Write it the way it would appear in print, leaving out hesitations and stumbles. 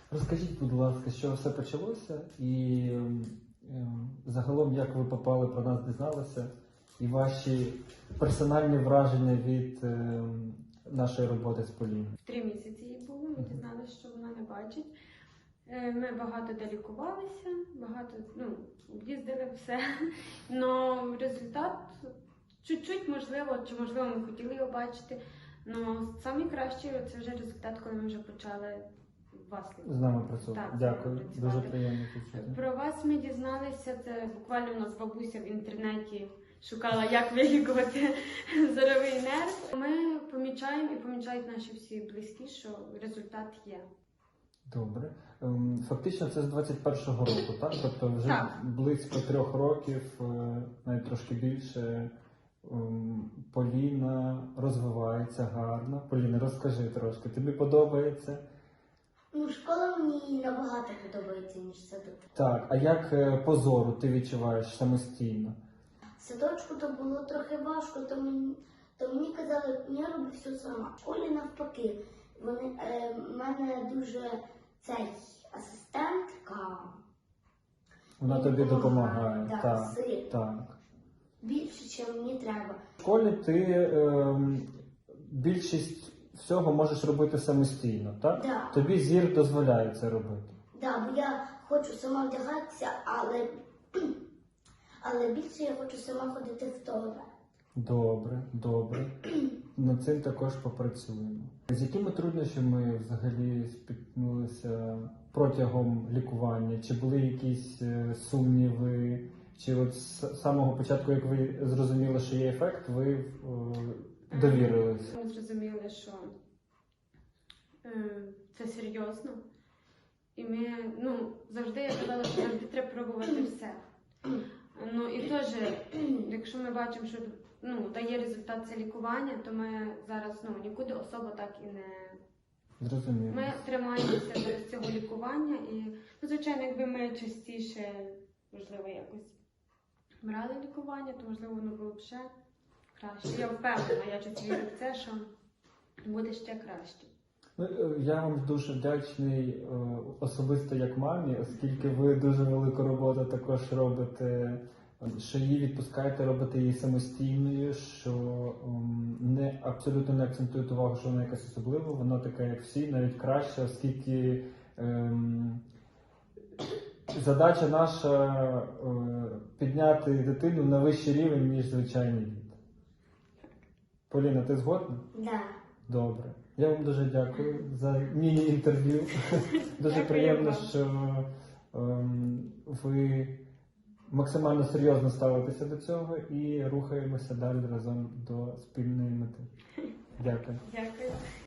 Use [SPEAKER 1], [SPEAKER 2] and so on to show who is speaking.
[SPEAKER 1] Розкажіть, будь ласка, що все почалося і загалом як ви попали, про нас дізналися, і ваші персональні враження від нашої роботи з Поліною.
[SPEAKER 2] 3 місяці їй було, ми дізналися, що вона не бачить. Ми багато де лікувалися, багато їздили все. Но результат чуть-чуть можливо, чи можливо ми хотіли його бачити. Но найкращий це вже результат, коли ми вже почали вас лікувати.
[SPEAKER 1] З нами працювати.
[SPEAKER 2] Так,
[SPEAKER 1] Дякую,
[SPEAKER 2] працювати.
[SPEAKER 1] дуже приємно почути.
[SPEAKER 2] Про вас ми дізналися, це буквально у нас бабуся в інтернеті шукала, як вилікувати зоровий нерв. Ми помічаємо і помічають наші всі близькі, що результат є.
[SPEAKER 1] Добре. Фактично це з 21-го року, так? Тобто вже
[SPEAKER 2] Так.
[SPEAKER 1] близько 3 років, навіть трошки більше, Поліна розвивається гарно. Поліна, розкажи трошки, тобі подобається?
[SPEAKER 3] Школа мені набагато подобається, ніж садок.
[SPEAKER 1] Так, а як по зору ти відчуваєш самостійно?
[SPEAKER 3] В садочку то було трохи важко, то мені казали, я роблю все сама. В школі навпаки, в мене дуже цей асистентка.
[SPEAKER 1] Вона тобі допомагає.
[SPEAKER 3] Так,
[SPEAKER 1] Так,
[SPEAKER 3] сильно.
[SPEAKER 1] так.
[SPEAKER 3] Більше, ніж мені треба.
[SPEAKER 1] В школі ти більшість всього можеш робити самостійно, так?
[SPEAKER 3] Да.
[SPEAKER 1] Тобі зір дозволяє це робити.
[SPEAKER 3] Бо я хочу сама вдягатися, але більше я хочу сама ходити в туалет.
[SPEAKER 1] Добре, добре. Над цим також попрацюємо. З якими труднощами взагалі спіткнулися протягом лікування? Чи були якісь сумніви? Чи от з самого початку, як ви зрозуміли, що є ефект, ви довірилися?
[SPEAKER 2] Ми зрозуміли, що це серйозно. І ми, завжди я казала, що завжди треба пробувати все. І теж, якщо ми бачимо, що дає результат це лікування, то ми зараз нікуди особо так і не...
[SPEAKER 1] Зрозуміло.
[SPEAKER 2] Ми тримаємося до цього лікування і, звичайно, якби ми частіше, можливо, якось брали лікування, то, можливо, воно було б ще краще. Я впевнена, я щось вірю в це, що буде ще краще.
[SPEAKER 1] Я вам дуже вдячний особисто як мамі, оскільки ви дуже велику роботу також робите, що її відпускаєте, робите її самостійною, що абсолютно не акцентуєте увагу, що вона якась особлива, вона така, як всі, навіть краща, оскільки задача наша підняти дитину на вищий рівень, ніж звичайний діти. Поліна, ти згодна?
[SPEAKER 3] Да.
[SPEAKER 1] Добре. Я вам дуже дякую за міні-інтерв'ю. Дуже приємно, що ви максимально серйозно ставитеся до цього і рухаємося далі разом до спільної мети. Дякую.
[SPEAKER 2] Дякую.